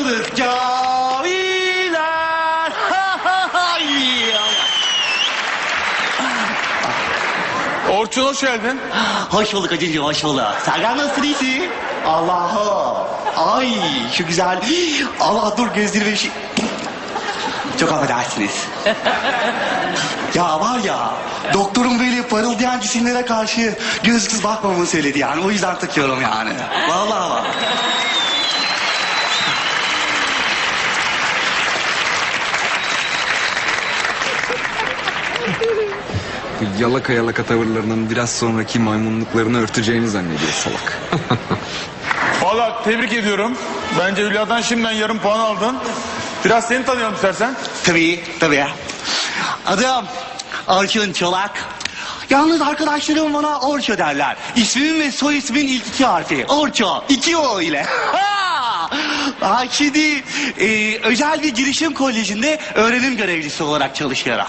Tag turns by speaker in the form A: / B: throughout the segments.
A: mısınız camiler?
B: Orçun hoş geldin.
A: Hoş bulduk hacıcığım, hoş bulduk. Sergen nasılsın, iyisin? Allah'ım. Ay şu güzel. Allah dur gözlerime bir şey. Çok affedersiniz. Ya var ya, doktorun böyle parıldayan cisimlere karşı gözsüz bakmamamı söyledi yani. O yüzden takıyorum yani. Vallahi bak.
C: Bu yalaka yalaka tavırlarının biraz sonraki maymunluklarını örteceğini zannediyor salak.
B: Valla tebrik ediyorum. Bence Hülya'dan şimdiden yarım puan aldın. Biraz seni tanıyalım istersen.
A: Tabii, tabii. Adım Orçun Çolak. Yalnız arkadaşlarım bana Orço derler. İsmimin ve soy ismin ilk iki harfi. Orço. 2 O ile. Şimdi özel bir girişim kolejinde öğrenim görevlisi olarak çalışıyorum.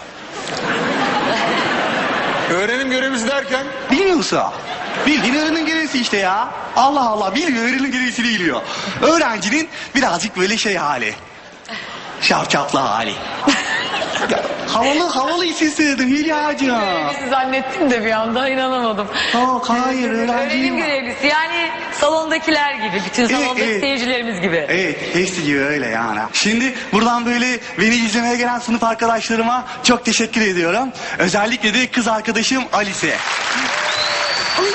B: Öğrenim görevlisi derken
A: Bilmiyor musun? Bildiğin öğrenim görevlisi işte ya. Allah Allah, bilmiyor, öğrenim görevlisi biliyor. Öğrencinin birazcık böyle şey hali. Şapşaplı hali. Ya, havalı isim söyledim Hülya'cığım.
D: Görevlisi zannettim de bir anda inanamadım.
A: Hayır, öğrenciyim.
D: Öğrenim görevlisi yani salondakiler gibi, bütün salondaki
A: evet.
D: seyircilerimiz gibi.
A: Evet, hepsi gibi öyle yani. Şimdi buradan böyle beni izlemeye gelen sınıf arkadaşlarıma çok teşekkür ediyorum. Özellikle de kız arkadaşım Alice. Ay,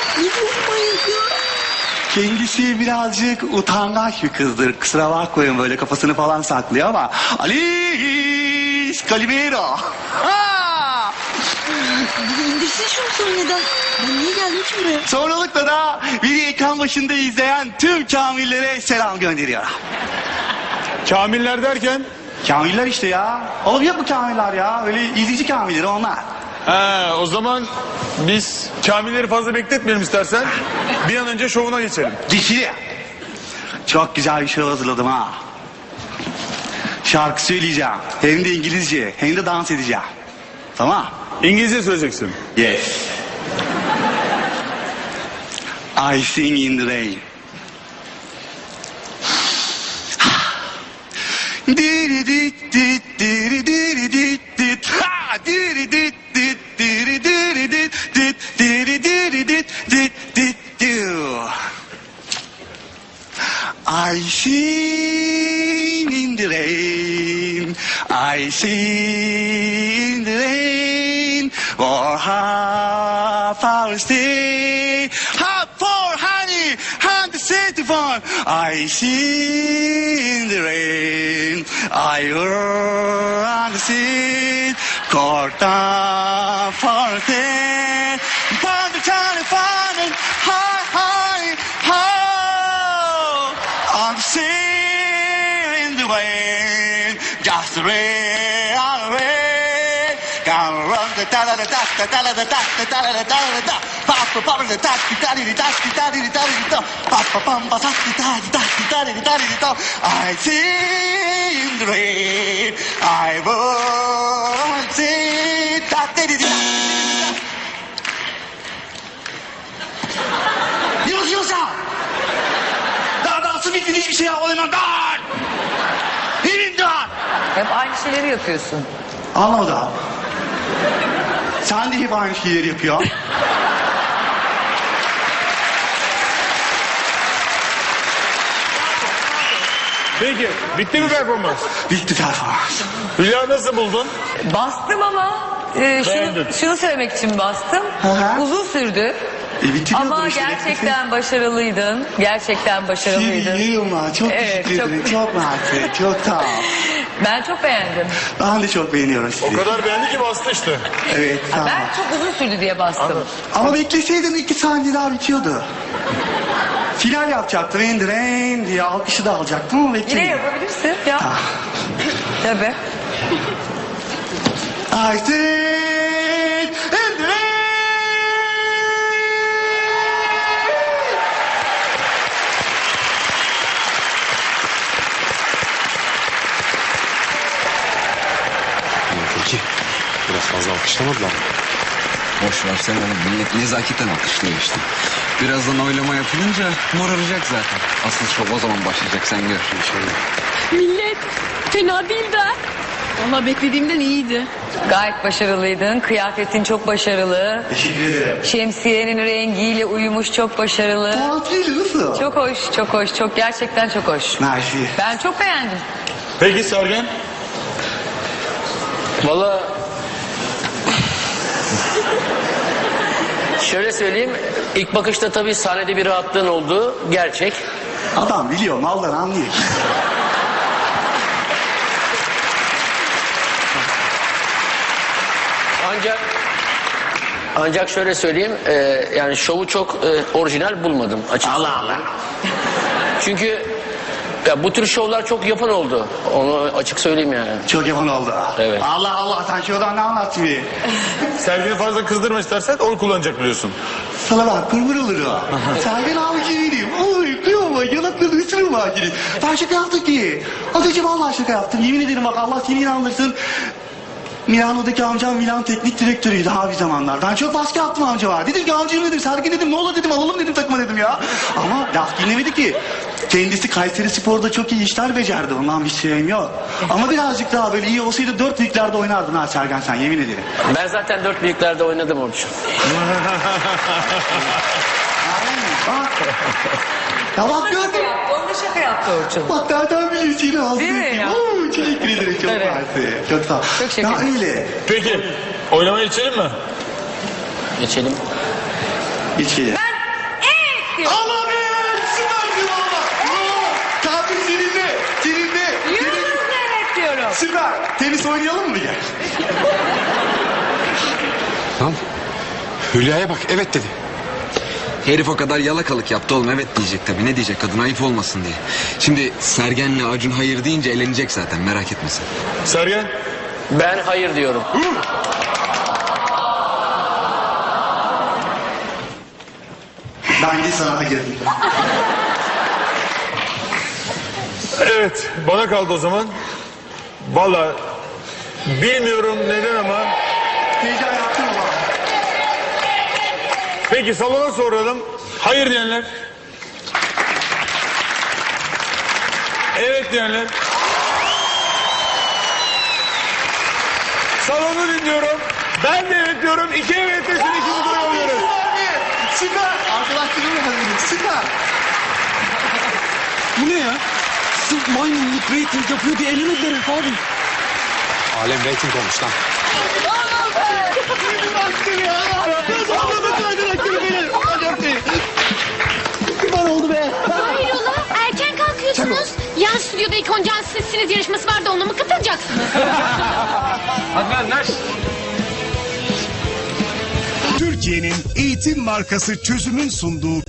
A: kendisi birazcık utangaç bir kızdır. Kusura bakmayın, böyle kafasını falan saklıyor ama... Alice Calimero. Ha!
E: İndirsin şunu sahneden. Ben niye geldim ki buraya?
A: Sonralıkla da beni ekran başında izleyen tüm kamillere selam gönderiyorum.
B: kamiller derken.
A: Kamiller işte ya. Oğlum yok mu kamiller ya? Öyle izleyici kamilleri onlar.
B: O zaman biz kamilleri fazla bekletmeyelim istersen. Bir an önce şovuna geçelim.
A: Dişi. Çok güzel bir şey hazırladım ha. Şarkı söyleyeceğim. Hem de İngilizce. Hem de dans edeceğim. Tamam.
B: İngilizce söyleyeceksin.
A: Yes. I sing in the rain. Diri dit dit diri diri dit dit ha diri dit dit diri diri dit dit diri diri dit dit dit do. I sing in the rain, I sing in the rain, for half hour stay, half for honey, and the city farm. I sing in the rain, I run the sea, caught down for a day, found the Johnny Farming, high, high, high. On the sea in the rain, just the rain, on the rain. Gonna run the da da da da da da da da da da da da da da. Papa papa the da da da da da da da da. Papa papa da da da da da da da. I see in the rain, I won't see da da da da. Yunus. Nasıl bittin, hiçbir şey yapmadın? Dar! Elin dar!
D: Hep aynı şeyleri yapıyorsun.
A: Anlamadım. Sen de hep aynı şeyleri yapıyorsun.
B: Peki bitti mi performans?
A: Bitti performans.
B: Hülya nasıl buldun?
D: Bastım ama
B: Beğendin.
D: şunu söylemek için bastım.
A: Hı hı.
D: Uzun sürdü.
A: Bitiriyordum
D: Ama
A: işte.
D: gerçekten başarılıydın. Gerçekten başarılıydın.
A: Yılma, çok
D: Evet,
A: teşekkür ederim. Çok mersi, çok sağ ol.
D: Ben çok beğendim.
A: Ben de çok beğeniyorum sizi.
B: O kadar beğendi ki bastı işte.
A: Evet, tamam.
D: Ben çok uzun sürdü diye bastım.
A: Ama bekleseydin 2 saniye daha bitiyordu. Final yapacaktım, rain diye alkışı da alacaktım ama
D: Yine
A: beklemedim.
D: yapabilirsin ya. Tabii.
A: I sing in the rain.
C: Peki biraz fazla alkışlamadılar mı? Boş ver sen onu, millet nezaketen alkışlıyor işte. Birazdan oylama yapılınca moraracak zaten. Asıl şov o zaman başlayacak, sen gör. İnşallah.
E: Millet fena değil de. Valla beklediğimden iyiydi.
D: Gayet başarılıydın. Kıyafetin çok başarılı.
A: Teşekkür ederim.
D: Şemsiyenin rengiyle uyumuş, çok başarılı.
A: Tatil nasıl?
D: Çok hoş, çok hoş, çok gerçekten çok hoş.
A: Mersi.
D: Ben çok beğendim.
B: Peki Sergen?
F: Valla şöyle söyleyeyim, ilk bakışta tabii sahnede bir rahatlığın olduğu gerçek.
A: Adam biliyor, maldan anlıyor.
F: Ancak şöyle söyleyeyim, yani şovu çok orijinal bulmadım açıkçası.
A: Allah Allah.
F: Çünkü ya bu tür şovlar çok yapan oldu. Onu açık söyleyeyim yani.
A: Çok yaman oldu.
F: Evet.
A: Allah Allah, sen şuradan ne anlattın bir?
B: Sergen'i fazla kızdırma istersen onu kullanacak biliyorsun.
A: Sana bak, kurban olur o. Sergen avcı değilim. Oy, kıyama, yanaklarını ısırırım avcını. Ben şaka yaptım ki. Az önce vallahi şaka yaptım. Yemin ederim bak, Allah seni inandırsın. Milano'daki amcam Milan teknik direktörüydü abi zamanlar. Ben çok baskı yaptım amca var. Dedim ki amcam dedim, Sergen dedim, ne olur dedim, alalım dedim takıma dedim ya. Ama laf dinlemedi ki. Kendisi Kayseri Spor'da çok iyi işler becerdi. Ondan bir şeyim yok. Ama birazcık daha böyle iyi olsaydı 4 liglerde oynardın ha Sergen sen, yemin ederim.
F: Ben zaten 4 büyüklerde oynadım Orçun.
A: Bak. Ya bak gördün.
D: Onda şaka yaptı Orçun.
A: Bak nereden biliyorsun yine ağzını
D: Değil mi
A: öpeyim.
D: ya?
A: Oo, teşekkür ederim, çok
D: Evet.
A: mersi. Çok sağ ol.
D: Çok şeker.
A: Ya öyle.
B: Peki oynamaya geçelim mi?
F: Geçelim.
A: Hiç gelir.
D: Evet diyor.
A: Allah be! Süpersin valla! Bravo! Tatil seninle! Seninle!
D: Yunus evet diyorum.
A: Süper! Tenis oynayalım mı gel?
C: Lan Hülya'ya bak evet dedi. Herif o kadar yalakalık yaptı oğlum, evet diyecek tabii. Ne diyecek kadın, ayıp olmasın diye. Şimdi Sergen'le Acun hayır deyince elenecek zaten, merak etme sen.
B: Sergen?
F: Ben hayır diyorum.
A: Ben de sanata girdim.
B: Evet bana kaldı o zaman. Valla bilmiyorum neden ama.
A: Heyecan yaptın mı bana?
B: Peki salona soralım. Hayır diyenler. Evet diyenler. Salonu dinliyorum. Ben de evet diyorum. 2 evet desin, 2 dur alıyoruz.
A: Süper! Arkadaşlarımla hazırım, süper!
G: Bu ne ya? Sırf maymunluk rating yapıyor diye elenediler herif abi.
C: Alem rating olmuş lan.
H: Hayrola erken kalkıyorsunuz. Yan stüdyoda ilk oncan sizsiniz yarışması var da ona mı katılacaksınız?
I: Türkiye'nin eğitim markası Çözüm'ün sunduğu